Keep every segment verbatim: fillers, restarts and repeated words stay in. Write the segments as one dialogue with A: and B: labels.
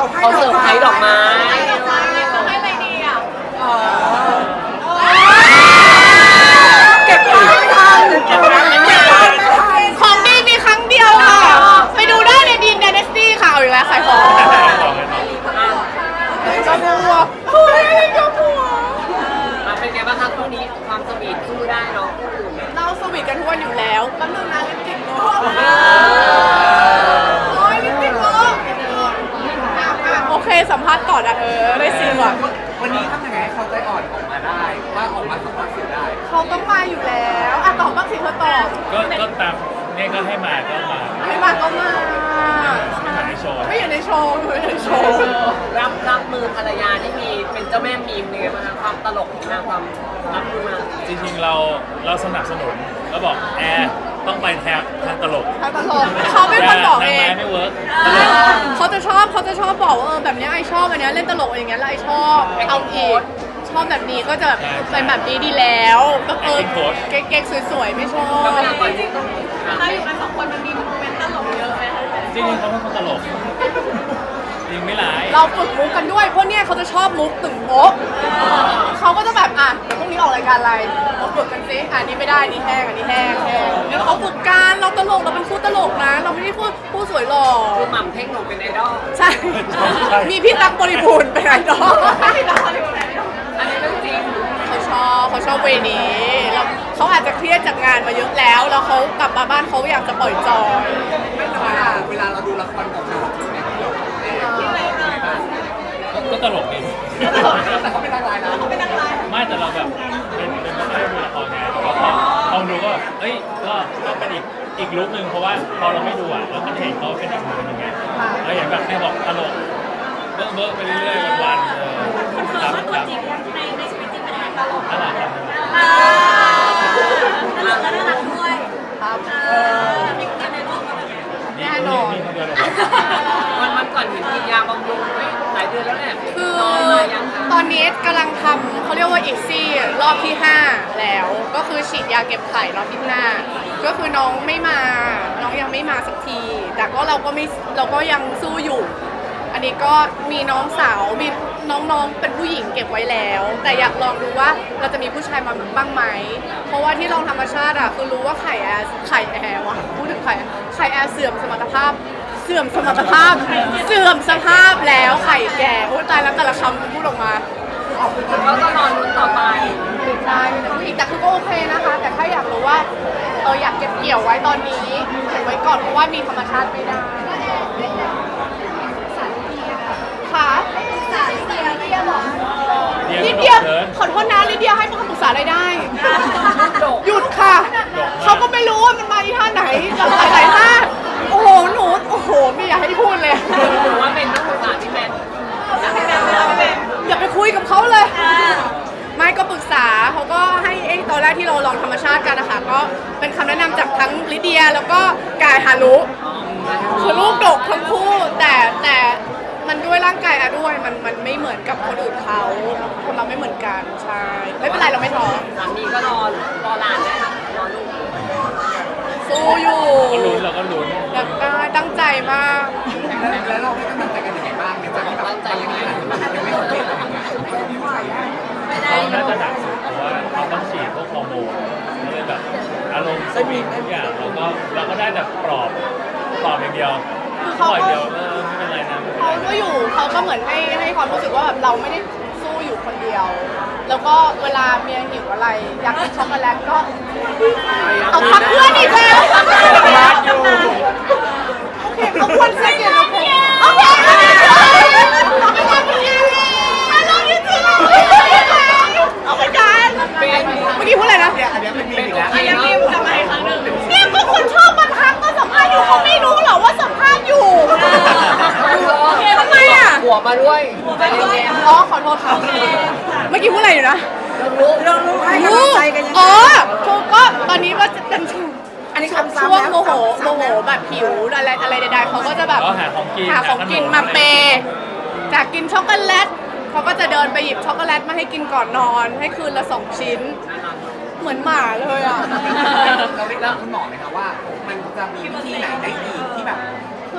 A: เขาเสิร์ฟไพรส์ดอกไม้
B: เขาให้อะไรดีอ่ะ
C: เก็บผ้าไม่ทันเก็บผ้าไม่ทันของดีมีครั้งเดียวค่ะไปดูได้ในดีน Dynasty ค่ะเอาอีกแล้วขายของกระบัวเฮ้ยกระบัว
A: เป็นไงบ้างคะคู่นี้ความสวีทสู้ได้เนาะ
C: เราสวีทกันทุกวันอยู่แล้วแป๊บนึงนะลิปสติกโลโอ้ยลิปสติกโลโอเคสัมภาษณ์ก่อนอะเออได้ซีนว่ะ
D: วันนี้ทำยังไงให้เขาใจอ่อนออกมาได้ว่าออกมาสัมภาษณ์สื่อได้
C: เขาต้องมาอยู่แล้วอ่ะตอบบ้างสิเธอตอบ
E: ก็ก็ตามเนี่ยก็ให้มาก็มา
C: ไม่มาก็มา
E: ไม่มาในโชว์
C: ไม่อยู่ในโชว์อยู่ในโชว์
A: รับรับมือภรรยาที่มีเป็นเจ้าแม่มีมเนี่ยนะคะความตลกของนางความรับมือมา
E: จริงๆเราเราสนับสนุนก็บอกแอร์ต้องไปแทนทางตลก
C: เขาตลกเขาเป็นคนบอกเอง
E: นางไม้ไม่เวิร์กตลก
C: เขาจะชอบเขาจะชอบบอกว่าเออแบบเนี้ยไอชอบอันเนี้ยเล่นตลกอย่างเงี้ยแล้วไอชอบเอาอีกชอบแบบนี้ก็จะแบบเป็นแบบนี้ดีแล้วก็เออเก๊กๆสวยๆไม่ชอบ
A: เวลาก่อนจริงต้อง
B: ถ้าอยู่กันสองคนมันมีโมเมนต์ตลกเยอะไหมคะ
E: จริงๆเขาเป็นคนตลกจริงไม่ร้าย
C: เราฝึกมุกกันด้วยเพราะเนี่ยเขาจะชอบมุกตึงโป๊ะเขาก็จะแบบอ่ะเดี๋ยวพรุ่งนี้ออกรายการอะไรเราฝึกกันสิอ่ะนี่ไม่ได้นี่แห้งอันนี้แห้งแห้งแล้วเขาฝึกการเราตลกเราเป็นคู่ตลกนะ เราไม่ได้พูดผู้สวยหล่อ
A: คือหม่ำเท่งหนูเป็นไอดอล
C: ใช่มีพี่ตั๊กบริบูรณ์เป็นไอดอล
A: อันนี้เรื่องจริง
C: เขาชอบเขาชอบเวนี้แล้วเขาอาจจะเครียดจากงานมาเยอะแล้ว แล้วเขากลับมาบ้านเขาอยากจะปล่อยจอย
D: เวลาเวลาเราดูละครกับเขาเนี่ย
E: ก็ตลกดี
D: แต่เขาเป็นนางร้ายนะเขาเป็นนางร้าย
E: ไม่แต่เราแบบเป็นเป็นไม่ได้ดูละครไงแต่ว่าพอพอดูก็แบบเอ้ยก็ก็เป็นอีกอีกลุคนึงเพราะว่าพอเราไม่ดูอ่ะเราก็จะเห็นเขาเป็นอีกมุมนึงไงเราอย่างแบบเนี่ยบอกตลกเบิร์กเบิร์กไปเรื่อยๆวันๆเออครับครับ
B: ในในชีวิตจริงเป็นยังไงตลก
E: น่ารักครับ
B: ตลกและน่ารักด้วย
C: ครับ
B: มีคนในโลกอะไรอย่างเงี้ย
E: นี่
C: แน่นอน
E: นี่คนเดียวเลยครับ
A: วันวันก่อนเห็นกินยาบำรุงไม่หลายเดือนแล้วแหละ
C: คือ
A: น้องมายังคะ
C: ตอนนี้กำลังทำเขาเรียกว่าอีกซี่รอบที่ห้าแล้ว ก็คือฉีดยาเก็บไข่รอบที่ห้าก็คือน้องไม่มา น้องยังไม่มาสักที แต่ก็เราก็ไม่เราก็ยังสู้อยู่ อันนี้ก็มีน้องสาวมีน้องๆเป็นผู้หญิงเก็บไว้แล้ว แต่อยากลองดูว่าเราจะมีผู้ชายมาบ้างไหม เพราะว่าที่ลองธรรมชาติอะคือรู้ว่าไข่แอร์ไข่แอร์วะพูดถึงไข่ไข่แอร์เสื่อมสมรรถภาพ เสื่อมสมรรถภาพ เสื่อมสภาพแล้วไข่แก่โอ้ยตายแล้วแต่ละคำพูดออกมา
A: เขาก็รอลุ้นต่อไป
C: ใช่แต่ผู้หญิงแต่คือก็โอเคนะคะ แต่ถ้าอยากรู้ว่าเอออยากเก็บเกี่ยวไว้ตอนนี้เก็บไว้ก่อนเพราะว่ามีธรรมชาติไม่ได้ค่ะสาลิเดียลิเดียบอกลิเดียขอโทษนะลิเดียให้คำปรึกษาอะไรได้ หยุดค่ะ เขาก็ไม่รู้ว่ามันมาที่ท่าไหนหลายหลายท่าโอ้โหหนูโอ้โหไม่อยากให้พูดเลย
A: หรือว่าเป็นนักศึกษาที่แมนอยากให้แมนไม่เอาไม่เป็น
C: อย่าไปคุยกับเขาเลย ไม่ก็ปรึกษาเขาก็ให้ไอ้ตอนแรกที่เราลองธรรมชาติกันนะคะก็เป็นคำแนะนำจากทั้งลิเดียแล้วก็กายฮารุคือลูกดกทั้งคู่แต่แต่มันด้วยร่างกายอะด้วยมันมันไม่เหมือนกับคนอื่นเขาคนเราไม่เหมือนกันใช่ไม่เป็นไรเราไม่ท้อ
A: สามีก็รอรอหลานได้รอลูก
C: สู้อยู่
E: ก็ลุ้นเราก็ลุ้น
C: อยากได้ตั้งใจมาก
D: แล้วเราให้กำลังใจกันยังไงบ้างเนี่ยจากที่แบบ
A: ตั้งใจยังไง
D: ยังไม่สำเร็จอะไรเงี้ย
E: เขาน่าจะหนักสุดเพราะว่าเขาต้องฉีดพวกฮอร์โมนก็เลยแบบอารมณ์สวิงทุกอย่างเราก็เราก็ได้แต่ปลอบปลอบอย่างเดียว
C: คือ
E: ป
C: เขา
E: ล่อย
C: ก็
E: เดียวเออไม่เป็นไรนะไม่เป็น
C: เขา
E: ไร
C: ก็
E: นะ
C: อยู่เขาก็เหมือนให้ให้ความรู้สึกว่าแบบเราไม่ได้สู้อยู่คนเดียว แล้วก็เวลาเมียหิวอะไรอยากกินช็อกโกแลตก็เอาพักเพื่อนอีกแล้วโอเคเขาควรเซ็กเดี๋ยวโอเคโอเคเอาไปกันเมื่อกี้พูดอะไรนะ
D: เนี่ยอันเนี้ยเป็นมีอีกแล้ว
A: อันนี้รีบจะมาอีกครั้งหนึ่ง
C: เนี่ยก็คนชอบมาทักก็สัมภาษณ์อยู่เขาไม่รู้หรอว่าสัมภาษณ์อยู่ทำไมอ่ะ
A: หัวมาด้วย
C: อ๋อขอโทษค่ะเมื่อกี้พูดอะไรอยู่นะ
A: ลูก
C: เรารู้ให้กำลังใจกันยังไงอ๋อคือก็ตอนนี้ก็จะเป็นช่วงอันนี้คำช่วงโมโหโมโหแบบหิวอะไรอะไรใดๆเขาก็จะแบบ
E: ก็หาของกิน
C: หาของกินมาเปย์จากกินช็อกโกแลตเขาก็จะเดินไปหยิบช็อกโกแลตมาให้กินก่อนนอน ให้คืนละสองชิ้น เหมือนหมาเลยอ่ะ
D: เราได้ถามคุณหมอไหมคะว่า มันจะมีวิธีไหนได้อีกที่แบบ
C: คือ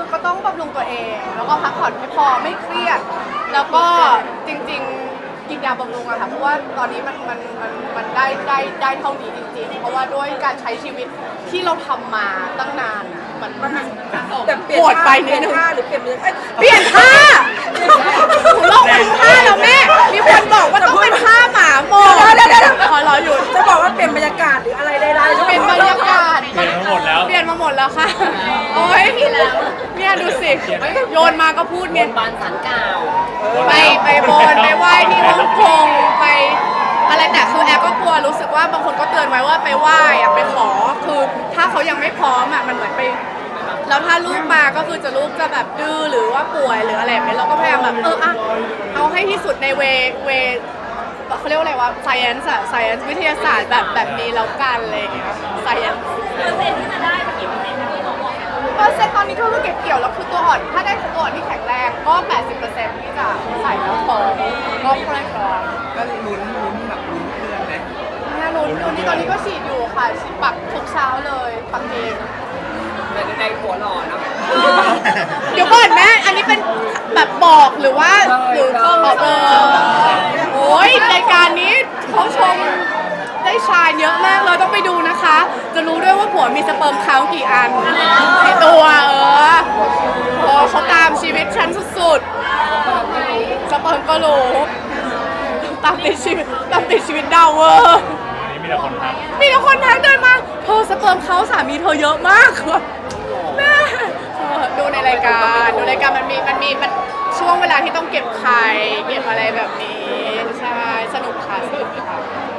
C: ก็ต้องบำรุงตัวเอง แล้วก็พักผ่อนให้พอไม่เครียด แล้วก็จริงๆกินยาบำรุงอะค่ะเพราะว่าตอนนี้มันมันมันมันได้ได้ได้เท่านี้จริงๆ เพราะว่าด้วยการใช้ชีวิตที่เราทำมาตั้งนานอะมันมัน
F: แบบเปลี่ยน
C: ปวดไป
F: ท่า
C: นิดนึง
F: เปลี่ยนท่าหรือเปลี่ยนมือเอ้ย
C: เปลี่ยนท่าหนูลองเป็นท่าแล้วแม่ มีคนบอกว่าต้องเป็นท่าหมาโมเดี๋ยวเดี๋ยวขอรออยู่
F: จะบอกว่าเปลี่ยนบรรยากาศหรืออะไรใดๆ
C: เป็นบรรยากาศ
E: เปลี่ยนทั้งหมดแล้ว
C: เปลี่ยนมาหมดแล้วค่ะ โอ้ยเนี่ยดูสิ โยนมาก็พูด
A: บ
C: เนี่ย
A: นบานสันกล่าว
C: ไปไปบนไปไหว้ที่ฮ่องกงไปอะไรแต่คือแอร์ก็กลัวรู้สึกว่าบางคนก็เตือนไว้ว่าไปไหว้อะไปขอคือถ้าเขายังไม่พร้อมอะมันเหมือนไปแล้วถ้าลูกมาก็คือจะลูกจะแบบดื้อหรือว่าป่วยหรืออะไรแบบนี้เราก็พยายามแบบเอออะเอาให้ที่สุดในเวเวเขาเรียกว่าอะไรวะ science อะ science วิทยาศาสตร์แบบแบบนี้แล้วกันอะไรอย่างเงี้ย science
B: เปอร์เซ็นต์ที่จะได้เป็นกี่เปอร์เซ็นต์ที่เขาบอก
C: เปอร์เซ็นต์ตอนนี้ก็คือเก็บเกี่ยวแล้วคือตัวอ่อนถ้าได้ตัวอ่อนที่แข็งแรงก็ แปดสิบเปอร์เซ็นต์ ที่จะใส่แล้วพอก็ค่อยพอ
D: ก็ลุ้นลุ้นแบบลุ้นเพื่อนไหม
C: เนี่ยลุ้นลุ้นนี่ตอนนี้ก็ฉีดอยู่ค่ะฉีดปักทุกเช้าเลยปักเอง
A: แต่ในหัวหล่อเนาะ
C: เดี๋ยวก่อนแม่อันนี้เป็นแบบบอกหรือว่าหรือเขาบอกเออโอ้ยรายการนี้เขาชมได้ชายเยอะมากเลยต้องไปดูนะคะ จะรู้ด้วยว่าผัวมีสเปิร์มเขากี่อันในตัวเออโอ้เขาตามชีวิตฉันสุดๆสเปิร์มก็รู้ตามติดชีวิตตามติดชีวิตดาวเวอร์
E: อันนี้มีแต่คนทัก
C: มีแต่คนทักเดินมาเธอสเปิร์มเขาสามีเธอเยอะมากแม่เออดูในรายการดูรายการมันมีมันมีมันช่วงเวลาที่ต้องเก็บไข่เก็บอะไรแบบนี้ใช่สนุกค่ะสนุกค่ะ